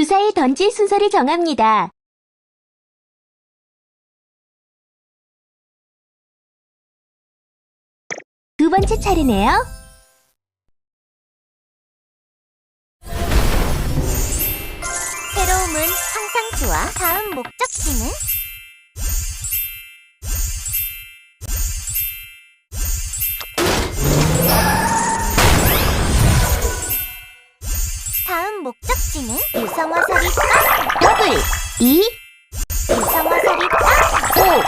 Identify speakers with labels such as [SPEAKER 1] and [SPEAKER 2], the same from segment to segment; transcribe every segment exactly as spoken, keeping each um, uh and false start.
[SPEAKER 1] 주사위 던질 순서를 정합니다. 두 번째 차례네요.
[SPEAKER 2] 새로움은 항상 좋아. 다음 목적지는? 다음 목적지는? 유성화살이 빵!
[SPEAKER 1] 더블 이,
[SPEAKER 2] 유성화살이 빵!
[SPEAKER 1] 오.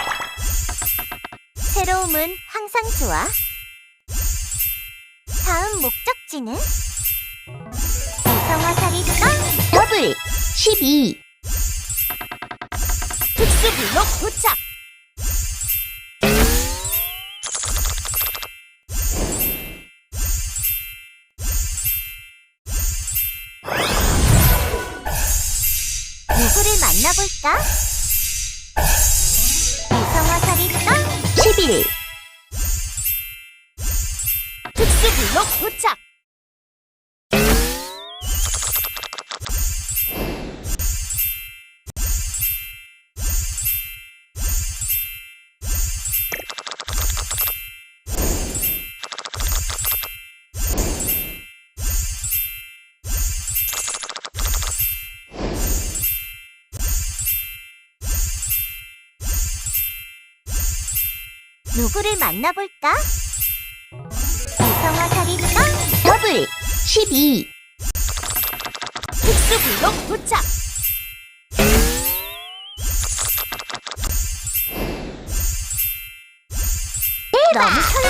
[SPEAKER 2] 새로움은 항상 좋아. 다음 목적지는? 유성화살이 빵!
[SPEAKER 1] 더블 십이,
[SPEAKER 2] 특수 블록 도착! 누구를 만나볼까? 유성화살이 빵!
[SPEAKER 1] 십일,
[SPEAKER 2] 특수 블록 도착! 누구를 만나볼까? 유성화살이 빵!
[SPEAKER 1] 더블 십이,
[SPEAKER 2] 특수 블록 도착! 너무